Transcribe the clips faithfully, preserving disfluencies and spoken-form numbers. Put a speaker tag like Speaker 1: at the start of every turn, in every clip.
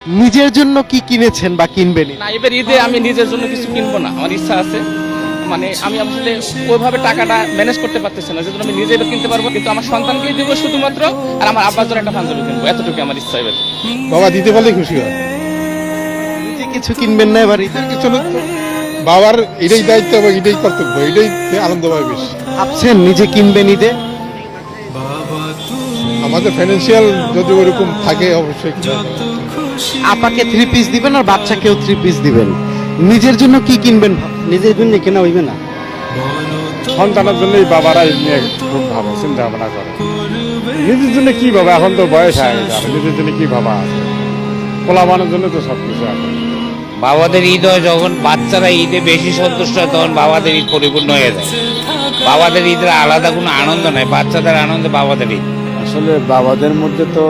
Speaker 1: নিজের জন্য কি কিনেছেন বা কিনবেন?
Speaker 2: না, এবার ঈদে আমি নিজের জন্য কিছু কিনবো না, আমার ইচ্ছা আছে। মানে আমি আসলে ওইভাবে টাকাটা ম্যানেজ করতে পারতেছি না, যেজন্য আমি নিজে এবার কিনতে পারবো, কিন্তু আমার সন্তানকেই দিব শুধুমাত্র, আর আমার আব্বার জন্য একটা পাঞ্জাবি কিনবো, এতটুকু আমার ইচ্ছা এবার।
Speaker 3: বাবা দিতে পারলে খুশি হয়।
Speaker 1: নিজে কিছু কিনবেন না এবার ঈদে?
Speaker 3: কিছু না, বাবার এটাই দায়িত্ব এবং এটাই কর্তব্য, এটাই আনন্দ পাবে বেশি।
Speaker 1: ভাবছেন নিজে কিনবেন ঈদে?
Speaker 3: আমাদের ফাইন্যান্সিয়াল যদি ওরকম থাকে অবশ্যই কিনা হবে।
Speaker 1: আপাকে থ্রি পিস দিবেন আর বাচ্চাকেও থ্রি পিস দিবেন, নিজের জন্য কি কিনবেন?
Speaker 4: নিজের জন্য কেনা হইবে না,
Speaker 5: সন্তানের জন্যই বাবারা এই নিয়ে খুব ভাবে চিন্তা ভাবনা করে। নিজের জন্য কি ভাবে, এখন তো বয়স হয়ে গেছে, আর নিজের জন্য কি ভাবা আছে? পোলাবানের জন্য তো সবকিছু আছে।
Speaker 6: বাবাদের ঈদ হয় যখন বাচ্চারা ঈদে বেশি সন্তুষ্ট হয়, তখন বাবাদের ঈদ পরিপূর্ণ হয়ে যায়। বাবাদের ঈদের আলাদা কোনো আনন্দ নাই, বাচ্চাদের আনন্দে বাবাদের ঈদ।
Speaker 7: আসলে বাবাদের মধ্যে তো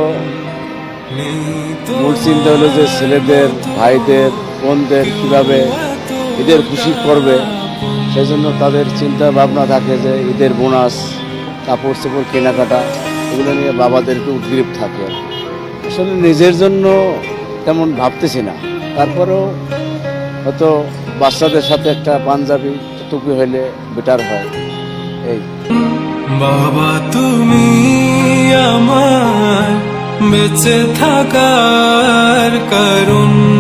Speaker 7: মূল চিন্তা হলো যে ছেলেদের, ভাইদের, বোনদের কিভাবে ঈদের খুশি করবে, সেই জন্য তাদের চিন্তা ভাবনা থাকে যে ঈদের বোনাস, কাপড় চোপড় কেনাকাটা, এগুলো নিয়ে বাবাদেরকে উদ্গ্রীব থাকে। আসলে নিজের জন্য তেমন ভাবতেছি না, তারপরেও হয়তো বাচ্চাদের সাথে একটা পাঞ্জাবি টুপি হইলে বেটার হয়। এই
Speaker 8: বাবা তুমি আমার বেঁচে থাকার কারণ।